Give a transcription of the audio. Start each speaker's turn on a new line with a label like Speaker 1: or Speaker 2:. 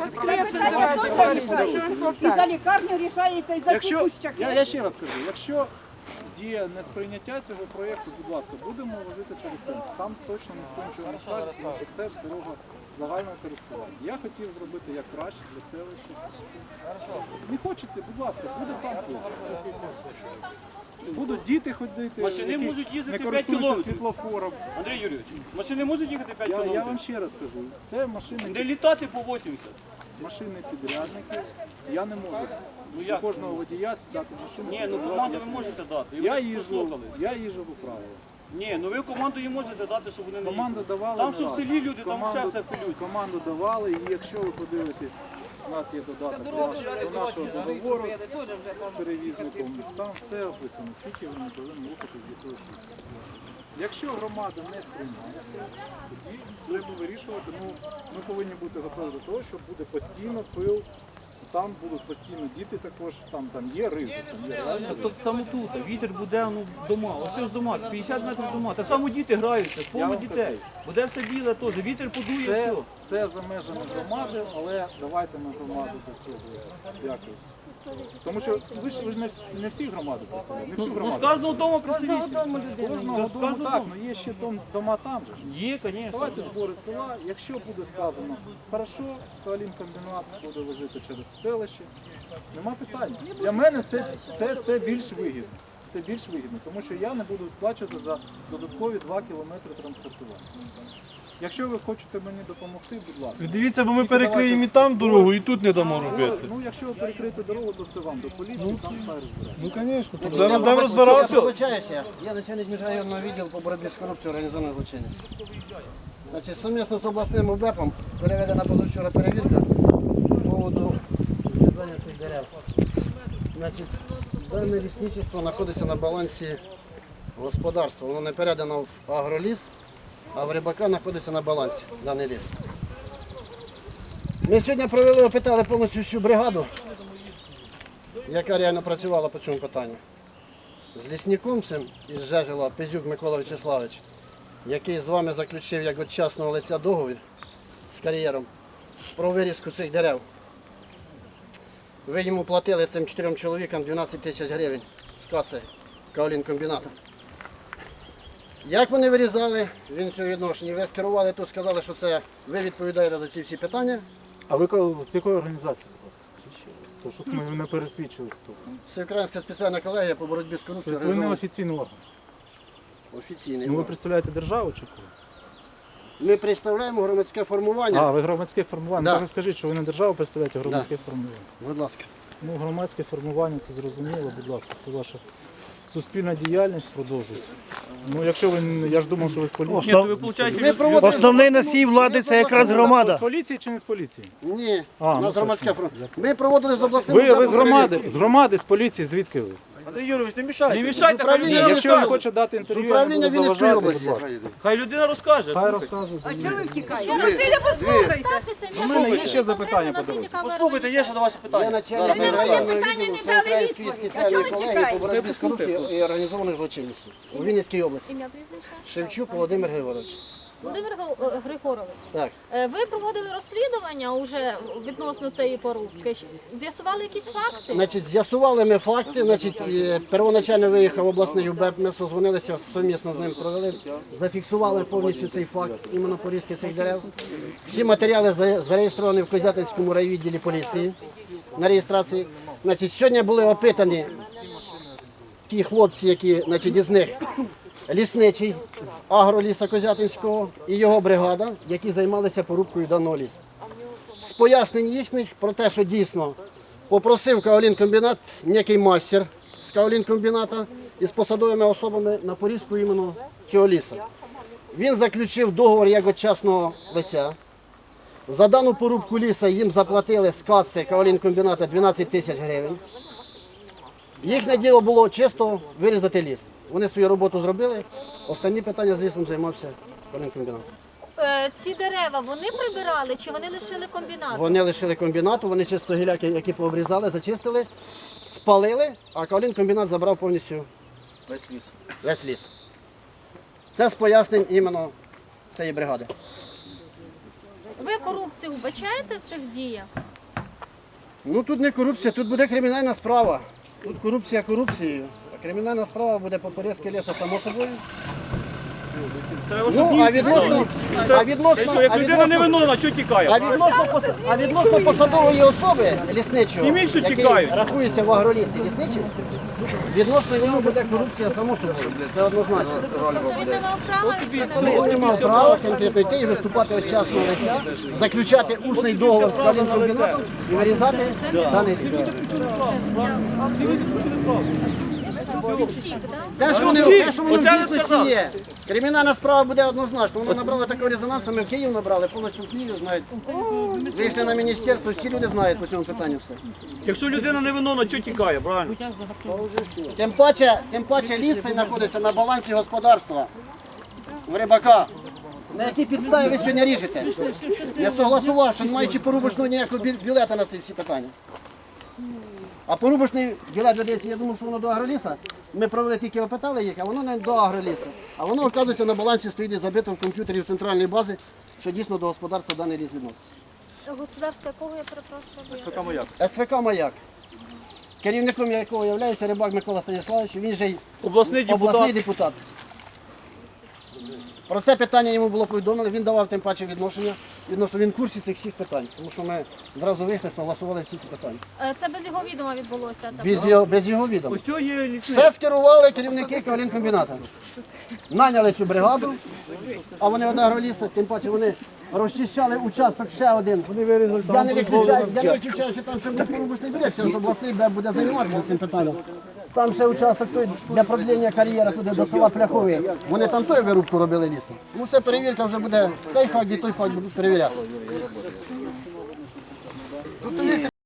Speaker 1: І за лікарню рішається, і за тікущак.
Speaker 2: Я ще раз кажу, якщо є несприйняття цього проєкту, будь ласка, будемо возити через центр. Там точно ніхто нічого не скаже, тому що це дорога загального користування. Я хотів зробити як краще для селища. Не хочете, будь ласка, буде там плохо. Будуть діти ходити,
Speaker 3: Машини
Speaker 2: які
Speaker 3: можуть їздити
Speaker 2: не
Speaker 3: 5
Speaker 2: користуються
Speaker 3: кілометрів.
Speaker 2: світлофором.
Speaker 3: Андрій Юрійович, машини можуть їхати 5
Speaker 2: Я
Speaker 3: кілометрів?
Speaker 2: вам ще раз кажу, це машини,
Speaker 3: Не літати по 80.
Speaker 2: машини підрядники. Я не можу
Speaker 3: Ну
Speaker 2: до
Speaker 3: як?
Speaker 2: кожного водія сідати в машину.
Speaker 3: Ні, ну команду ви можете дати. І ви
Speaker 2: Я
Speaker 3: так
Speaker 2: їжджу
Speaker 3: послухали.
Speaker 2: по правилах.
Speaker 3: Ні, ну ви команду їм можете дати, щоб вони не
Speaker 2: Команду
Speaker 3: їздили.
Speaker 2: давали
Speaker 3: Там
Speaker 2: не
Speaker 3: що в
Speaker 2: раз.
Speaker 3: селі люди, там ще все пилють.
Speaker 2: Команду давали, і якщо ви подивитесь, у нас є додаток до нашого договору з перевізником, там все описано, скільки вони повинні рухати з якою швидкістю. Якщо громада не сприймає це, тоді треба вирішувати, ми повинні бути готові до того, що буде постійно пил, там будуть постійно діти також, там є ризик.
Speaker 3: Так само тут, вітер буде дома, ось ж дома, 50 метрів дома. Так само діти граються, повно
Speaker 2: вам
Speaker 3: дітей. Буде все біле теж, вітер подує, все.
Speaker 2: Це за межами громади, але давайте ми громаду до цього якось. Тому що ви ж не всі громади представляєте, не всю
Speaker 3: Ну, з
Speaker 2: громаду.
Speaker 3: кожного дому представителі.
Speaker 2: З кожного дому так, але є ще дома там же ж.
Speaker 3: Є, звісно.
Speaker 2: Давайте збори села, якщо буде сказано, хорошо, Калінкомбінат буде возити через селище, нема питань. Для мене це більш вигідно. Це більш вигідно, тому що я не буду сплачувати за додаткові 2 кілометри транспортування. Якщо ви хочете мені допомогти, будь ласка.
Speaker 4: Дивіться, бо ми перекриємо і там дорогу, і тут не дамо робити.
Speaker 2: Ну, якщо ви перекриєте дорогу, то це вам до поліції, там хай розбирається.
Speaker 4: Ну, звісно, будемо розбиратися.
Speaker 5: Я вибачаюся, я начальник міжрайонного відділу по боротьбі з корупцією організованої злочинності. Значить, сумісно з обласним УБЕПом переведена позавчора перевірка по поводу відрізання цих дерев. Значить, дане лісничество знаходиться на балансі господарства. Воно не передано в агроліс, а в рибака знаходиться на балансі даний ліс. Ми сьогодні провели, опитали повністю всю бригаду, яка реально працювала по цьому питанню. З лісником цим із Жежела Пизюк Микола Вячеславович, який з вами заключив як від частного лиця договір з кар'єром про вирізку цих дерев. Ви йому платили цим 4 чоловікам 12 тисяч гривень з каси Каолінкомбіната. Як вони вирізали, він цього відношення. Ви скерували тут, сказали, що це ви відповідаєте за ці всі питання.
Speaker 2: А ви з якої організації, будь ласка? То, щоб ми не пересвідчили, хто.
Speaker 5: Всеукраїнська спеціальна колегія по боротьбі з корупцією.
Speaker 2: Тобто ви не офіційний орган?
Speaker 5: Офіційний.
Speaker 2: Ну ви представляєте державу чи кого?
Speaker 5: Ми представляємо громадське формування.
Speaker 2: А, ви громадське формування.
Speaker 5: Да.
Speaker 2: Так скажіть, що ви не державу представляєте, а громадське формування.
Speaker 5: Будь ласка.
Speaker 2: Ну, громадське формування, це зрозуміло, будь ласка, це ваша суспільна діяльність продовжується. Ну, якщо ви, я ж думав, що ви з поліції.
Speaker 3: Ні, ви, виходить,
Speaker 5: Ми проводимо...
Speaker 4: Основний носій влади це якраз
Speaker 2: З
Speaker 4: громада.
Speaker 2: поліції чи не з поліції?
Speaker 5: Ні,
Speaker 2: А,
Speaker 5: у нас
Speaker 2: ну,
Speaker 5: громадське
Speaker 2: точно.
Speaker 5: формування. Ми проводили з обласним
Speaker 2: Ви
Speaker 5: управлінням
Speaker 2: з громади,
Speaker 5: перевірки.
Speaker 2: з громади, з поліції, звідки ви?
Speaker 3: Андрій Юрійович, не мішайте. Не
Speaker 5: З
Speaker 3: мішайте, хай
Speaker 5: управління
Speaker 3: людина
Speaker 2: Якщо ви
Speaker 3: розкаже.
Speaker 2: хочете дати інтерв'ю,
Speaker 5: З управління
Speaker 2: я не буду
Speaker 5: Вінницької
Speaker 2: заважати,
Speaker 5: області.
Speaker 2: будь ласка.
Speaker 3: Хай людина розкаже.
Speaker 2: Хай розкаже.
Speaker 1: А чого ви втікаєте?
Speaker 2: У мене є ще запитання по дорозі.
Speaker 3: Послухайте, є ще до вас
Speaker 5: Я
Speaker 3: питання.
Speaker 5: начальник
Speaker 1: Ви на моє
Speaker 5: міжрайонного
Speaker 1: питання
Speaker 5: відділу
Speaker 1: не дали
Speaker 5: Всеукраїнської
Speaker 1: відповідь. А
Speaker 5: спеціальної
Speaker 1: чого ви
Speaker 5: колегії
Speaker 1: тікаєте?
Speaker 5: по боротьбі з корупцією і організованою злочинністю у Вінницькій області.
Speaker 6: Ім'я прізвище?
Speaker 5: Шевчук Володимир Григорович.
Speaker 6: Володимир Григорович,
Speaker 5: Так.
Speaker 6: ви проводили розслідування уже відносно цієї порубки. З'ясували якісь факти?
Speaker 5: Значить, з'ясували ми факти. Значить, первоначально виїхав обласний УБЕП, ми созвонилися, сумісно з ним провели, зафіксували повністю цей факт, іменно порізки цих дерев. Всі матеріали зареєстровані в Козятинському райвідділі поліції на реєстрації. Значить, сьогодні були опитані ті хлопці, які, значить, із них лісничий з агроліса Козятинського і його бригада, які займалися порубкою даного лісу. З пояснень їхніх про те, що дійсно попросив Каолінкомбінат некий мастер з Каолінкомбіната із посадовими особами на порізку іменно цього лісу. Він заключив договор як від частного лиця. За дану порубку лісу їм заплатили з каси Каолінкомбіната 12 тисяч гривень. Їхнє діло було чисто вирізати ліс. Вони свою роботу зробили, останні питання з лісом займався Каолінкомбінат.
Speaker 6: Ці дерева вони прибирали чи вони лишили комбінат?
Speaker 5: Вони лишили комбінату, вони чисто гіляки, які пообрізали, зачистили, спалили, а Каолінкомбінат забрав повністю весь ліс. Це з пояснень іменно цієї бригади.
Speaker 6: Ви корупцію вбачаєте в цих діях?
Speaker 5: Ну тут не корупція, тут буде кримінальна справа. Тут корупція корупцією. А кримінальна справа буде по порізці лісу само собою. Ну,
Speaker 3: Як людина не виновна, що тікає?
Speaker 5: а відносно посадової особи лісничого,
Speaker 3: Зніміть, що
Speaker 5: який
Speaker 3: тікають.
Speaker 5: рахується в агролісі лісничим, відносно нього буде корупція само собою. Це однозначно.
Speaker 6: Тобто він не мав права
Speaker 5: Він не мав права конкретно йти і виступати від частного лиця, заключати усний договор з калінкомбінатом і вирізати даний ліс.
Speaker 6: втік, так?
Speaker 5: Те, що воно в дійсності є. Кримінальна справа буде однозначно. Воно набрало такого резонансу, ми в Київ набрали, повністю в Київ знають. Вийшли на міністерство, всі люди знають по цьому питанню все.
Speaker 3: Якщо людина не виновна, що тікає, правильно?
Speaker 5: Тим паче ліс цей знаходиться на балансі господарства в рибака. На якій підставі ви сьогодні ріжете? Я согласував, що не маючи порубочного ніякого білета на ці всі питання. А порубочний білет додається, я думав, що воно до агроліса. Ми провели тільки опитали їх, а воно не до агроліса. А воно, оказується, на балансі стоїть і забито в комп'ютері в центральній базі, що дійсно до господарства даний ліс відноситься.
Speaker 6: Господарство якого, я перепрошую?
Speaker 3: СВК «Маяк».
Speaker 5: СВК «Маяк», керівником якого є рибак Микола Станіславович, він же й
Speaker 3: Обласний
Speaker 5: обласний
Speaker 3: депутат.
Speaker 5: депутат. Про це питання йому було повідомлено, він давав тим паче відношення, відносно він в курсі цих всіх питань, тому що ми зразу вийшли, согласували всі ці питання.
Speaker 6: Це без його відома відбулося? Це
Speaker 5: Без його відома.
Speaker 3: Ось цього є лісник.
Speaker 5: Все скерували керівники калінкомбіната. Наняли цю бригаду, а вони від агролісу, тим паче вони розчищали участок ще один. Я не виключаю, що там ще буде порубочний білет, що обласний БЕБ буде займатися цим питанням. Там ще участок той для продлення кар'єри туди до села Пляховий. Вони там той вирубку робили лісом. Ну це перевірка вже буде, цей факт і той факт будуть перевіряти.